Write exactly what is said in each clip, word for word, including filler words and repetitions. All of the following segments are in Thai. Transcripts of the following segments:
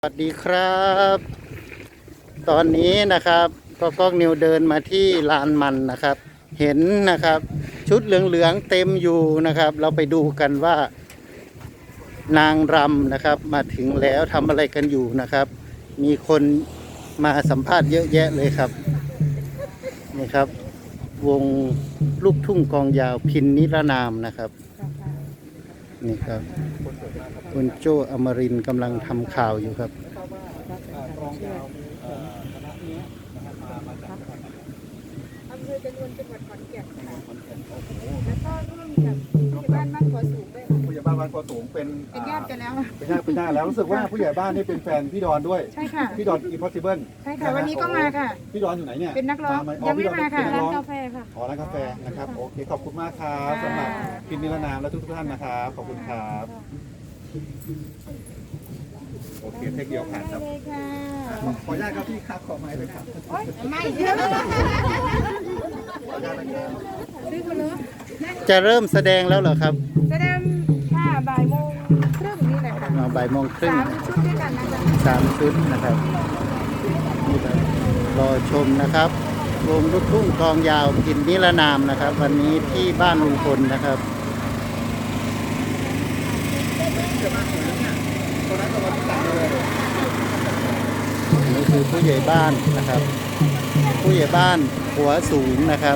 สวัสดีครับ ตอนนี้นะครับก็ก้องนิวเดินมาที่ลานมันนะครับ เห็นนะครับชุดเหลืองๆเต็มอยู่นะครับ เราไปดูกันว่านางรำนะครับมาถึงแล้วทำอะไรกันอยู่นะครับ มีคนมาสัมภาษณ์เยอะแยะเลยครับนี่ครับ วงลูกทุ่งกองยาวพินนิรนามนะครับนี่ครับคุณโจอมรินทร์กำลังทำข่าวอยู่ครับอำเภอจนวนจังหวัดขอนแก่นค่ะแล้วก็ร่วมกับผู้ใหญ่บ้านบ้านขอสูงด้วยค่ะผู้ใหญ่บ้านบ้านกอสูงเป็นเป็นญาติกันแล้วเป็นญาติเป็นญาติแล้วรู้สึกว่าผู้ใหญ่บ้านนี่เป็นแฟนพี่ดอนด้วยใช่ค่ะพี่ดอน Impossible ใช่ค่ะวันนี้ก็มาค่ะพี่ดอนอยู่ไหนเนี่ยเป็นนักร้องาหยังไม่พี่ดอนมาค่ะเป็นนัร้านร้องกาแฟค่ะอ๋อร้านกาแฟนะครับโอเคขอบคุณมากครับค่ะสำหรับพินนิรนามและทุกท่านนะครับขอบคุณครับโอเคเทคเดียวผ่านครับเลยค่ะขออนุญาตครับพี่ครับขอไม้เลยครับไม่เยอะซื้อคนละจะเริ่มแสดงแล้วเหรอครับแสดงค่ะบ่ายโมงครึ่งนี่แหละค่ะมาบ่ายโมงครึ่งสามชุดด้วยกันนะคะสามชุดนะครับนี่ครับรอชมนะครับวงลูกทุ่งกองยาวพินนิรนามนะครับ วันนี้ที่บ้านลุงพลนะครับนี่คือผู้ใหญ่บ้านนะครับ ผู้ใหญ่บ้านหัวสูงนะครับ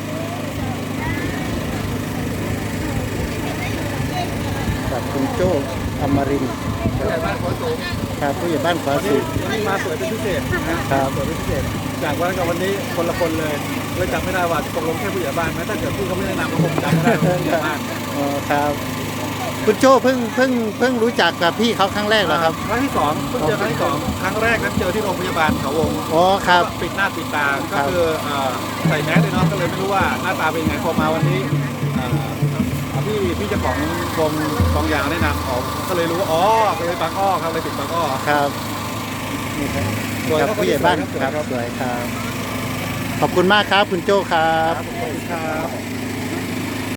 กับคุณโจ้อมรินทร์ผู้ใหญ่บ้านกอสูงครับผู้ใหญ่บ้านขวาวันสูนี้งวันนี้มาสวยเป็นพิเศษนะครับสวยเป็นพิเศษจากวันกับวันนี้คนละคนเลยเลยจำไม่ได้ว่าตกลงแค่ผู้ใหญ่บ้านไหมถ้าเกิดพี่เขาไม่แนะนำก็คงจำไม่ได้ว่าผู้ใหญ่บ้านอ๋อครับคุณโจ้เพิ่งเพิ่งเพิ่งรู้จักกับพี่เขาครั้งแรกเหรอครับครั้งที่สองเพิ่งเจอครั้งที่สองครั้งแรกนั้นเจอที่โรงพยาบาลเขาวงอ๋อครับปิดหน้าปิดตาครัก็บคือเอ่อใส่แมสเลยเนาะก็เลยไม่รู้ว่าหน้าตาเป็นยังไงพอมาวันนี้เอ่อพี่พี่เจ้าของวงกองยางแนะนำออกก็เลยรู้ว่าอ๋อเป็นบางอ้อครับเลยติดบางอ้อครับนี่ครับกับผู้ใหญ่บ้านครับสวยครับ ขอบคุณมากครับคุณโจ้ครับขอบคุณครับ